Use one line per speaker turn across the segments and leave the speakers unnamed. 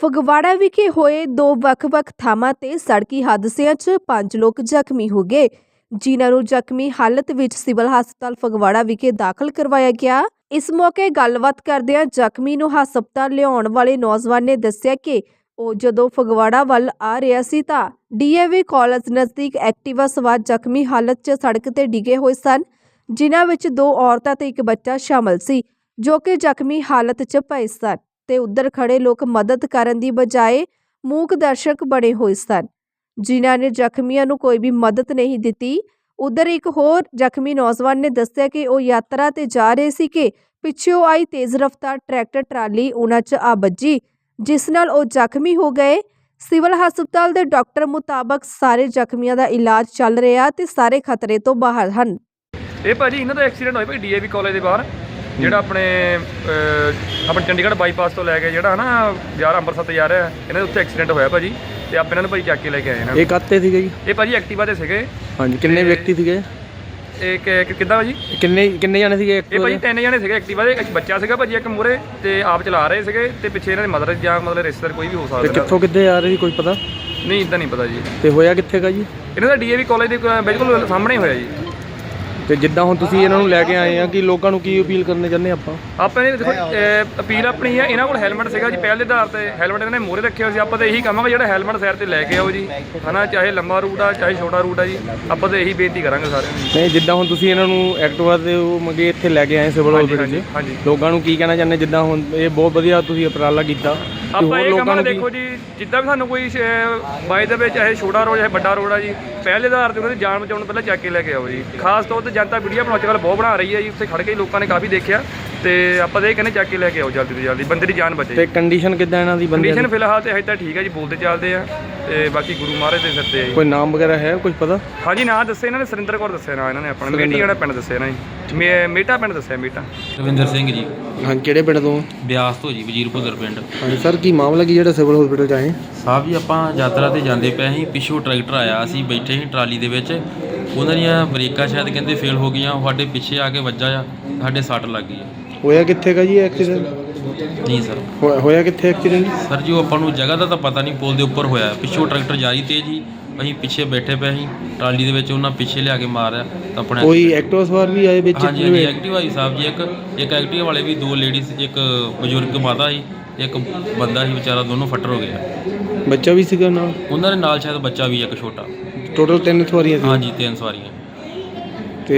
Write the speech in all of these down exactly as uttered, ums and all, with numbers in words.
ਫਗਵਾੜਾ ਵਿਖੇ ਹੋਏ ਦੋ ਵੱਖ-ਵੱਖ ਥਾਵਾਂ ਤੇ ਸੜਕੀ ਹਾਦਸਿਆਂ 'ਚ ਪੰਜ ਲੋਕ ਜ਼ਖਮੀ ਹੋ ਗਏ, ਜਿਨ੍ਹਾਂ ਨੂੰ ਜ਼ਖਮੀ ਹਾਲਤ ਵਿੱਚ ਸਿਵਲ ਹਸਪਤਾਲ ਫਗਵਾੜਾ ਵਿਖੇ ਦਾਖਲ ਕਰਵਾਇਆ ਗਿਆ। ਇਸ ਮੌਕੇ ਗੱਲਬਾਤ ਕਰਦਿਆਂ ਜ਼ਖਮੀ ਨੂੰ ਹਸਪਤਾਲ ਲਿਆਉਣ ਵਾਲੇ ਨੌਜਵਾਨ ਨੇ ਦੱਸਿਆ ਕਿ ਉਹ ਜਦੋਂ ਫਗਵਾੜਾ ਵੱਲ ਆ ਰਿਹਾ ਸੀ ਤਾਂ ਡੀਏਵੀ ਕਾਲਜ ਨਜ਼ਦੀਕ ਐਕਟਿਵਾ ਸਵਾਰ ਜ਼ਖਮੀ ਹਾਲਤ 'ਚ ਸੜਕ ਤੇ ਡਿੱਗੇ ਹੋਏ ਸਨ, ਜਿਨ੍ਹਾਂ ਵਿੱਚ ਦੋ ਔਰਤਾਂ ਤੇ ਇੱਕ ਬੱਚਾ ਸ਼ਾਮਲ ਸੀ, ਜੋ ਕਿ ਜ਼ਖਮੀ ਹਾਲਤ 'ਚ ਪਏ ਸਨ ਤੇ ਉੱਧਰ ਖੜੇ ਲੋਕ ਮਦਦ ਕਰਨ ਦੀ ਬਜਾਏ ਮੂਕ ਦਰਸ਼ਕ ਬਣੇ ਹੋਏ ਸਨ, ਜਿਨ੍ਹਾਂ ਨੇ ਜ਼ਖਮੀਆਂ ਨੂੰ ਕੋਈ ਵੀ ਮਦਦ ਨਹੀਂ ਦਿੱਤੀ। ਉੱਧਰ ਇੱਕ ਹੋਰ ਜ਼ਖਮੀ ਨੌਜਵਾਨ ਨੇ ਦੱਸਿਆ ਕਿ ਉਹ ਯਾਤਰਾ ਤੇ ਜਾ ਰਹੇ ਸੀ ਕਿ ਪਿੱਛੋਂ ਆਈ ਤੇਜ਼ ਰਫ਼ਤਾਰ ਟਰੈਕਟਰ ਟਰਾਲੀ ਉਹਨਾਂ 'ਚ ਆ ਵੱਜੀ, ਜਿਸ ਨਾਲ ਉਹ ਜ਼ਖਮੀ ਹੋ ਗਏ। ਸਿਵਲ ਹਸਪਤਾਲ ਦੇ ਡਾਕਟਰ ਮੁਤਾਬਕ ਸਾਰੇ ਜ਼ਖਮੀਆਂ ਦਾ ਇਲਾਜ ਚੱਲ ਰਿਹਾ ਤੇ ਸਾਰੇ ਖਤਰੇ ਤੋਂ ਬਾਹਰ ਹਨ।
ਇਹ ਭਾਜੀ ਇਹਨਾਂ ਦਾ ਐਕਸੀਡੈਂਟ ਹੋਇਆ ਭਾਈ ਡੀਏਵੀ ਕਾਲਜ ਦੇ ਬਾਹਰ, ਜਿਹੜਾ ਆਪਣੇ ਆਪਣੇ ਚੰਡੀਗੜ੍ਹ ਬਾਈਪਾਸ ਤੋਂ ਲੈ ਕੇ ਜਿਹੜਾ ਨਾ ਯਾਰ ਅੰਮ੍ਰਿਤਸਰ ਤੇ ਜਾ ਰਿਹਾ, ਇਹਨਾਂ ਦੇ ਉੱਥੇ ਐਕਸੀਡੈਂਟ ਹੋਇਆ ਭਾਜੀ ਤੇ ਆਪ ਇਹਨਾਂ ਨੂੰ ਭਾਈ ਚੱਕ ਕੇ ਲੈ ਕੇ ਆਏ ਇਹਨਾਂ।
ਇਹ ਕਾਤੇ ਸੀਗੇ ਜੀ?
ਇਹ ਭਾਜੀ ਐਕਟਿਵਾ ਤੇ ਸੀਗੇ। ਹਾਂਜੀ।
ਕਿੰਨੇ ਵਿਅਕਤੀ ਸੀਗੇ?
ਇਹ ਕਿੱਦਾਂ ਭਾਜੀ
ਕਿੰਨੇ ਕਿੰਨੇ ਜਾਣੇ ਸੀਗੇ?
ਇਹ ਭਾਜੀ ਤਿੰਨ ਜਾਣੇ ਸੀਗੇ ਐਕਟਿਵਾ ਦੇ, ਇੱਕ ਬੱਚਾ ਸੀਗਾ ਭਾਜੀ ਇੱਕ ਮੂਹਰੇ ਤੇ ਆਪ ਚਲਾ ਰਹੇ ਸੀਗੇ ਤੇ ਪਿੱਛੇ ਇਹਨਾਂ ਦੇ ਮਦਰ ਜਾਂ ਮਤਲਬ ਰਿਸ਼ਤੇਦਾਰ ਕੋਈ ਵੀ ਹੋ ਸਕਦਾ।
ਕਿੱਥੋਂ ਕਿੱਥੇ ਆ ਰਹੇ ਸੀ, ਕੋਈ ਪਤਾ
ਨਹੀਂ? ਇੱਦਾਂ ਨਹੀਂ ਪਤਾ ਜੀ। ਤੇ
ਹੋਇਆ ਕਿੱਥੇ ਗਾ ਜੀ?
ਇਹਨਾਂ ਦਾ ਡੀਏਵੀ ਕਾਲਜ ਦੇ ਬਿਲਕੁਲ ਸਾਹਮਣੇ ਹੋਇਆ ਜੀ।
ਤੇ ਜਿੱਦਾਂ ਹੁਣ ਤੁਸੀਂ ਇਹਨਾਂ ਨੂੰ ਲੈ ਕੇ ਆਏ ਆ, ਕਿ ਲੋਕਾਂ ਨੂੰ ਕੀ ਅਪੀਲ ਕਰਨੇ ਚਾਹੁੰਦੇ ਆਪਾਂ?
ਆਪਾਂ ਨੇ ਦੇਖੋ ਅਪੀਲ ਆਪਣੀ ਆ, ਇਹਨਾਂ ਕੋਲ ਹੈਲਮਟ ਸੀਗਾ ਜੀ ਪਹਿਲ ਦੇ ਆਧਾਰ ਤੇ, ਹੈਲਮਟ ਇਹਨਾਂ ਨੇ ਮੂਹਰੇ ਰੱਖਿਆ ਸੀ। ਆਪਾਂ ਤਾਂ ਇਹੀ ਕਹਾਂਗੇ ਜਿਹੜਾ ਹੈਲਮਟ ਸਾਈਡ ਤੇ ਲੈ ਕੇ ਆਓ ਜੀ, ਹਨਾ, ਚਾਹੇ ਲੰਬਾ ਰੂਟ ਆ ਚਾਹੇ ਛੋਟਾ ਰੂਟ ਆ ਜੀ, ਆਪਾਂ ਤਾਂ ਇਹੀ ਬੇਨਤੀ ਕਰਾਂਗੇ ਸਾਰਿਆਂ ਨੂੰ।
ਨਹੀਂ, ਜਿੱਦਾਂ ਹੁਣ ਤੁਸੀਂ ਇਹਨਾਂ ਨੂੰ ਐਕਟਿਵਾ ਤੇ ਉਹ ਮੰਗੇ ਇੱਥੇ ਲੈ ਕੇ ਆਏ ਸਿਵਲ ਹਸਪਤਾਲ 'ਚ, ਲੋਕਾਂ ਨੂੰ ਕੀ ਕਹਿਣਾ ਚਾਹੁੰਦੇ? ਜਿੱਦਾਂ ਹੁਣ ਇਹ ਬਹੁਤ ਵਧੀਆ ਤੁਸੀਂ ਉਪਰਾਲਾ ਕੀਤਾ,
ਆਪਾਂ ਇਹ ਕਹਾਂਗੇ ਦੇਖੋ ਜੀ, ਜਿੱਦਾਂ ਵੀ ਸਾਨੂੰ ਕੋਈ ਬਾਈ ਦੇ ਵਿੱਚ ਚਾਹੇ ਛੋਟਾ ਰੋਡ ਚਾਹੇ ਵੱਡਾ ਰੋਡ ਆ ਜੀ, ਪਹਿਲੇ ਆਧਾਰ ਤੇ ਉਹਨਾਂ ਦੀ ਜਾਨ ਬਚਾਉਣ ਪਹਿਲਾਂ ਚੱਕ ਕੇ ਲੈ ਕੇ ਆਓ ਜੀ। ਖਾਸ ਤੌਰ ਤੇ ਜਨਤਾ ਵੀਡੀਓ ਬਣਾਉਣ ਅੱਜ ਬਹੁਤ ਬਣਾ ਰਹੀ ਹੈ ਜੀ, ਉੱਥੇ ਖੜ ਕੇ ਲੋਕਾਂ ਨੇ ਕਾਫੀ ਦੇਖਿਆ ਤੇ ਆਪਾਂ ਤਾਂ ਇਹ ਕਹਿੰਦੇ ਚੱਕ ਕੇ ਲੈ ਕੇ ਆਓ ਜਲਦੀ ਤੋਂ ਜਲਦੀ, ਬੰਦੇ ਦੀ ਜਾਨ ਬਚੇ।
ਤੇ ਕੰਡੀਸ਼ਨ ਕਿੱਦਾਂ ਇਹਨਾਂ ਦੀ?
ਕੰਡੀਸ਼ਨ ਫਿਲਹਾਲ ਤੇ ਹਜੇ ਤਾਂ ਠੀਕ ਹੈ ਜੀ, ਬੋਲਦੇ ਚੱਲਦੇ ਆ ਤੇ ਬਾਕੀ ਗੁਰੂ ਮਹਾਰਾਜ ਦੇ ਸਿਰ ਤੇ ਆ ਜੀ।
ਕੋਈ ਨਾਮ ਵਗੈਰਾ ਹੈ ਕੁਝ ਪਤਾ?
ਹਾਂਜੀ, ਨਾਂ ਦੱਸੇ ਇਹਨਾਂ ਨੇ, ਸੁਰਿੰਦਰ ਕੌਰ ਦੱਸਿਆ ਨਾਂ ਇਹਨਾਂ ਨੇ ਆਪਣਾ, ਮੇਟੀ ਜਿਹੜਾ ਪਿੰਡ ਦੱਸਿਆ ਨਾ ਜੀ, ਮੇਟਾ ਪਿੰਡ ਦੱਸਿਆ, ਮੇਟਾ।
ਰਵਿੰਦਰ ਸਿੰਘ ਜੀ।
ਹਾਂ, ਕਿਹੜੇ ਪਿੰਡ ਤੋਂ?
ਬਿਆਸ ਤੋਂ ਜੀ, ਵਜ਼ੀਰਪੁਰ ਪਿੰਡ।
ਹਾਂਜੀ ਸਰ, ਕੀ ਮਾਮਲਾ ਕੀ ਜਿਹੜਾ ਸਿਵਲ ਹਸਪੀਟਲ 'ਚ ਆਏ?
ਸਾਹਿਬ ਜੀ, ਆਪਾਂ ਯਾਤਰਾ ਤੇ ਜਾਂਦੇ ਪਏ ਸੀ, ਪਿੱਛੋਂ ਟਰੈਕਟਰ ਆਇਆ, ਅਸੀਂ ਬੈਠੇ ਸੀ ਟਰਾਲੀ ਦੇ ਵਿੱਚ, ਉਹਨਾਂ ਦੀਆਂ ਬ੍ਰੇਕਾਂ ਸ਼ਾਇਦ ਕਹਿੰਦੇ ਫੇਲ ਹੋ ਗਈਆਂ, ਸਾਡੇ ਪਿੱਛੇ ਆ ਕੇ ਵੱਜਾ ਆ, ਸਾਡੇ ਸੱਟ ਲੱਗ ਗਈ।
ਹੋਇਆ ਕਿੱਥੇ ਗਾ ਜੀ ਐਕਸੀਡੈਂਟ?
ਨਹੀਂ ਸਰ।
ਹੋਇਆ ਕਿੱਥੇ ਐਕਸੀਡੈਂਟ?
ਸਰ ਜੀ, ਉਹ ਆਪਾਂ ਨੂੰ ਜਗ੍ਹਾ ਦਾ ਤਾਂ ਪਤਾ ਨਹੀਂ, ਪੁਲ ਦੇ ਉੱਪਰ ਹੋਇਆ, ਪਿੱਛੋਂ ਟਰੈਕਟਰ ਜਾ ਰਹੀ ਤੇਜ਼ ਜੀ, ਅਸੀਂ ਪਿੱਛੇ ਬੈਠੇ ਪਏ ਸੀ ਟਰਾਲੀ ਦੇ ਵਿੱਚ, ਉਹਨਾਂ ਪਿੱਛੇ ਲਿਆ ਕੇ ਮਾਰਿਆ ਤਾਂ ਆਪਣੇ। ਕੋਈ
ਐਕਟਿਵਾ ਸਵਾਰ ਵੀ ਆਏ ਵਿੱਚ?
ਹਾਂਜੀ ਹਾਂਜੀ, ਐਕਟਿਵਾ ਸੀ ਸਾਹਿਬ ਜੀ, ਇੱਕ ਇੱਕ ਐਕਟਿਵਾ ਵਾਲੇ ਵੀ, ਦੋ ਲੇਡੀਜ਼, ਇੱਕ ਬਜ਼ੁਰਗ ਮਾਤਾ ਸੀ, ਇੱਕ ਬੰਦਾ ਸੀ ਵਿਚਾਰਾ, ਦੋਨੋਂ ਫੱਟਰ ਹੋ ਗਏ।
ਬੱਚਾ ਵੀ ਸੀਗਾ ਨਾਲ? ਉਹਨਾਂ
ਦੇ ਨਾਲ ਸ਼ਾਇਦ ਬੱਚਾ ਵੀ ਇੱਕ ਛੋਟਾ।
ਟੋਟਲ ਤਿੰਨ ਸਵਾਰੀਆਂ ਸੀ? ਹਾਂਜੀ,
ਤਿੰਨ ਸਵਾਰੀਆਂ।
ਤੇ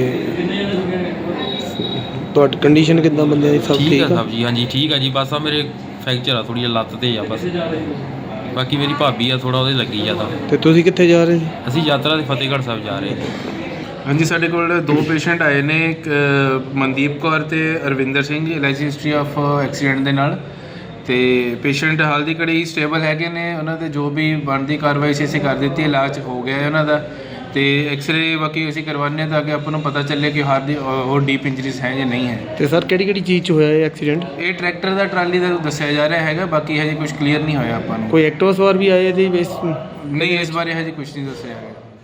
ਤੁਹਾਡੀ ਕੰਡੀਸ਼ਨ ਕਿੱਦਾਂ ਬੰਦਿਆਂ ਦੀ? ਸਭ
ਠੀਕ ਆ ਸਾਹਿਬ ਜੀ? ਹਾਂਜੀ ਠੀਕ ਆ ਜੀ, ਬਸ ਆ ਮੇਰੇ ਫ੍ਰੈਕਚਰ ਆ ਥੋੜੀ ਜਿਹੀ ਲੱਤ ਤੇ ਆ ਬਸ, ਬਾਕੀ ਮੇਰੀ ਭਾਬੀ ਆ ਥੋੜਾ ਉਹਦੇ ਲੱਗੀ ਜ਼ਿਆਦਾ।
ਤੇ ਤੁਸੀਂ ਕਿੱਥੇ ਜਾ ਰਹੇ ਸੀ?
ਅਸੀਂ ਯਾਤਰਾ ਦੇ ਫਤਿਹਗੜ੍ਹ ਸਾਹਿਬ ਜਾ ਰਹੇ।
ਹਾਂਜੀ, ਸਾਡੇ ਕੋਲ ਦੋ ਪੇਸ਼ੈਂਟ ਆਏ ਨੇ, ਇੱਕ ਮਨਦੀਪ ਕੌਰ ਤੇ Arvinder Singh, L I C history of accident ਦੇ ਨਾਲ। ਤੇ ਪੇਸ਼ੈਂਟ ਹਾਲ ਦੀ ਘੜੀ ਸਟੇਬਲ ਹੈਗੇ ਨੇ, ਉਹਨਾਂ ਦੇ ਜੋ ਵੀ ਬਣਦੀ ਕਾਰਵਾਈ ਸੀ ਅਸੀਂ ਕਰ ਦਿੱਤੀ, ਇਲਾਜ ਹੋ ਗਿਆ ਹੈ ਉਹਨਾਂ ਦਾ। ਤੇ ਐਕਸਰੇ ਬਾਕੀ ਅਸੀਂ ਕਰਵਾਉਂਦੇ ਹਾਂ ਤਾਂ ਕਿ ਆਪਾਂ ਨੂੰ ਪਤਾ ਚੱਲੇ ਕਿ ਹਾਰ ਦੀ ਹੋਰ ਡੀਪ ਇੰਜਰੀਜ਼ ਹੈ ਜਾਂ ਨਹੀਂ ਹੈ।
ਤੇ ਸਰ ਕਿਹੜੀ ਕਿਹੜੀ ਚੀਜ਼ 'ਚ ਹੋਇਆ ਇਹ ਐਕਸੀਡੈਂਟ?
ਇਹ ਟਰੈਕਟਰ ਦਾ ਟਰਾਲੀ ਦਾ ਦੱਸਿਆ ਜਾ ਰਿਹਾ ਹੈਗਾ, ਬਾਕੀ ਹਜੇ ਕੁਝ ਕਲੀਅਰ ਨਹੀਂ ਹੋਇਆ ਆਪਾਂ ਨੂੰ।
ਕੋਈ ਐਕਟਿਵਾ ਸਵਾਰ ਵੀ ਆਏ ਇਹਦੇ ਵਿੱਚ?
ਨਹੀਂ, ਇਸ ਬਾਰੇ ਹਜੇ ਕੁਝ ਨਹੀਂ ਦੱਸਿਆ ਹੈਗਾ।